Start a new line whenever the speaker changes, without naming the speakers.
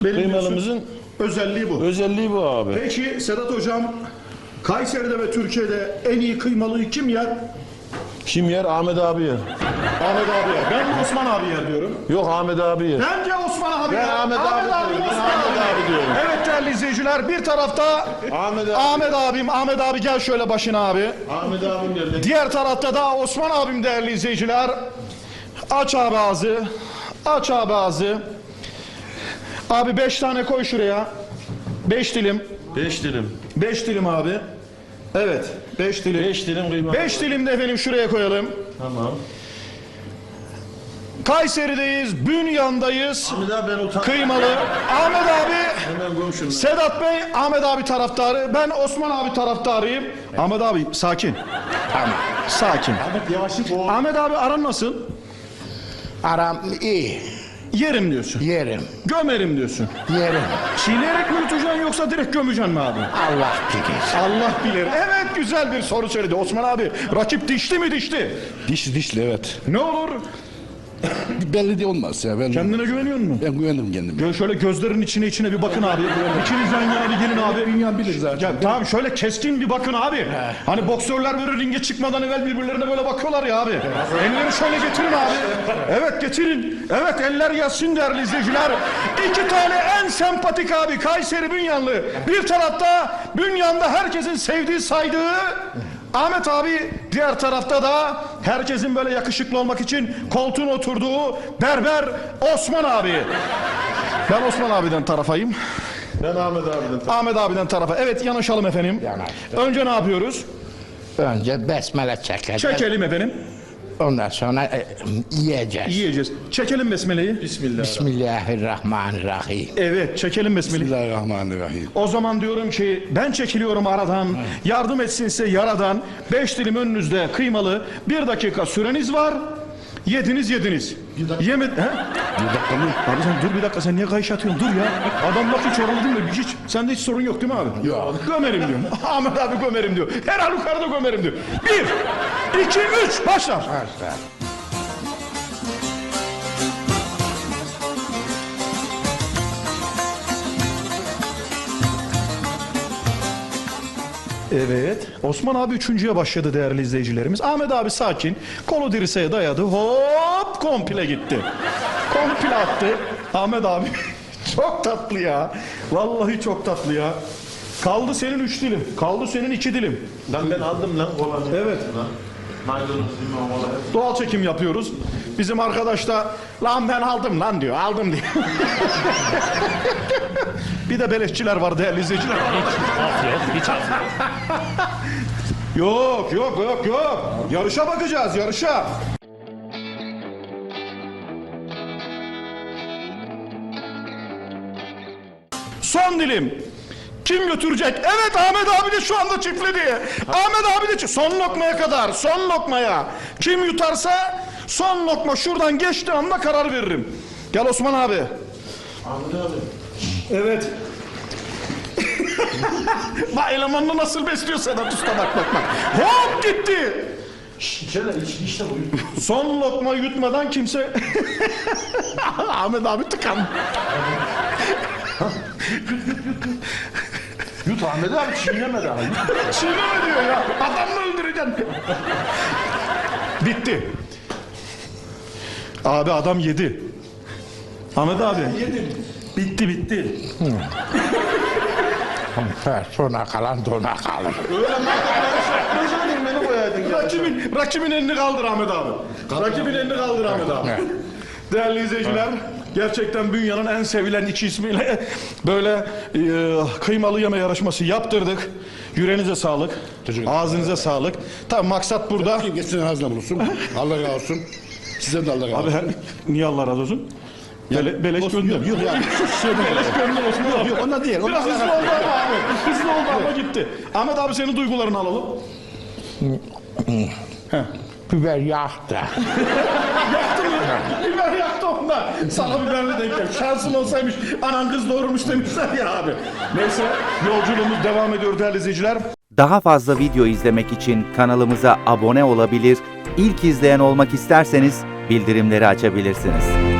Kıymalımızın
özelliği bu.
özelliği bu abi.
Peki Sedat Hocam, Kayseri'de ve Türkiye'de en iyi kıymalıyı kim yer?
Kim yer? Ahmet abi yer.
Ahmet abi yer. Ben Osman abi yer diyorum.
Yok, Ahmet abi yer.
Bence Osman abi
Ben
yer.
Ahmet abi diyorum. Ben
Osman
Ahmet abi diyorum.
Evet değerli izleyiciler, bir tarafta Ahmet abi gel şöyle başına abi.
Ahmet abim yer.
Diğer tarafta da Osman abim değerli izleyiciler. Aç abi ağzı. Aç abi ağzı. Abi 5 tane koy şuraya. 5 dilim.
5 dilim.
5 dilim abi. Evet, 5 dilim.
5 dilim kıyma.
5 dilim de efendim şuraya koyalım.
Tamam.
Kayseri'deyiz, Bünyan'dayız.
Ahmet abi ben utandım.
Kıymalı. Ahmet abi,
Hemen komşumdan.
Sedat Bey, Ahmet abi taraftarı. Ben Osman abi taraftarıyım. Ahmet abi sakin. Tamam. Sakin.
Ahmet yavaşlık o.
Ahmet abi aran nasıl?
Aram iyi.
Yerim diyorsun.
Yerim.
Gömerim diyorsun.
Yerim.
Çiğneyerek mi yutacaksın yoksa direkt gömeceksin mi abi?
Allah bilir.
Allah bilir. Evet, güzel bir soru söyledi Osman abi. Rakip dişli mi dişli?
Dişli evet.
Ne olur?
Belli de olmaz ya. Ben
Kendine güveniyor musun?
ben güvenirim kendime.
Şöyle gözlerin içine bir bakın abi. İkiniz yan yana bir gelin abi.
Dünya bilir zaten.
Ya, tamam şöyle keskin bir bakın abi. Hani boksörler böyle ringe çıkmadan evvel birbirlerine böyle bakıyorlar ya abi. Elleri şöyle getirin abi. Evet getirin. Evet eller yatsın değerli izleyiciler. 2 tane en sempatik abi Kayseri Bünyanlı. Bir tarafta Bünyan'da herkesin sevdiği saydığı Ahmet abi, diğer tarafta da herkesin böyle yakışıklı olmak için koltuğun oturduğu berber Osman abi. Ben Osman abiden tarafayım.
Ben Ahmet abiden.
Ahmet abiden tarafa. Evet, yanaşalım efendim.
Yanaştık.
Önce ne yapıyoruz?
Önce besmele çekeceğiz.
Çekelim efendim.
Ondan sonra yiyeceğiz.
Yiyeceğiz. Çekelim besmeleyi.
Bismillah.
Bismillahirrahmanirrahim.
Evet, çekelim besmeleyi.
Bismillahirrahmanirrahim.
O zaman diyorum ki ben çekiliyorum aradan. Yardım etsin size yaradan. 5 dilim önünüzde kıymalı. 1 dakika süreniz var. Yediniz. Yemedi. He?
Bir dakika mı?
Abi sen dur bir dakika, sen niye kayış atıyorsun? Dur ya. Adam laf hiç oralı değil mi? Hiç. Sende hiç sorun yok değil mi abi?
Yok.
Gömerim diyor. Ahmet abi gömerim diyor. Her halükarda gömerim diyor. 1, 2, 3 başlar.
Başla.
Evet. Osman abi 3.'ye başladı değerli izleyicilerimiz. Ahmet abi sakin. Kolu dirseğe dayadı. Hop komple gitti. Komple attı. Ahmet abi çok tatlı ya. Vallahi çok tatlı ya. Kaldı senin 3 dilim. Kaldı senin 2 dilim.
Lan ben aldım lan kolanı.
Evet.
Maydanoz, limon, kola.
Doğal çekim yapıyoruz. Bizim arkadaş da lan ben aldım lan diyor. Aldım diyor. Bir de beleşçiler var değerli izleyiciler. Yok. Yarışa bakacağız, yarışa. Son dilim. Kim götürecek? Evet, Ahmet abi de şu anda çiftledi. Ahmet abi de son lokmaya kadar, son lokmaya. Kim yutarsa son lokma şuradan geçtiği anda karar veririm. Gel Osman abi.
Ahmet abi.
Evet. Bak elemanını nasıl besliyor Sedat Usta, bak. Hop gitti.
İçeride işte bu.
Son lokma yutmadan kimse... Ahmet abi tıkandı.
Yut Ahmet abi, çiğneme daha.
Çiğneme diyor ya. Adamını öldüreceksin. Bitti. Abi adam yedi. Ahmet abi. Yedim. Bitti.
Sona kalan dona kalır.
Beni koyaydın.
Rakibin elini kaldır Ahmet abi. Rakibin elini kaldır Ahmet abi. Değerli izleyiciler, gerçekten Bünyan'ın en sevilen 2 ismiyle böyle kıymalı yeme yarışması yaptırdık. Yüreğinize sağlık, ağzınıza sağlık. Tabii maksat burada.
Kim geçsin ağzına bulursun. Allah razı olsun. Size de Allah razı
Abi
olsun.
niye Allah razı olsun? Beleş gönder.
Yok yani.
Beleş gönder Osman abi.
Yok ona değil.
Biraz hızlı oldu ama abi. Hızlı oldu ama gitti. Ahmet abi senin duygularını alalım.
Biber yaktı.
Yaktı mı? Biber yaktı onda. Sana biberli denk gelmiş. Şansın olsaymış anan kız doğurmuş demişler ya abi. Neyse, yolculuğumuz devam ediyor değerli izleyiciler.
Daha fazla video izlemek için kanalımıza abone olabilir, ilk izleyen olmak isterseniz bildirimleri açabilirsiniz.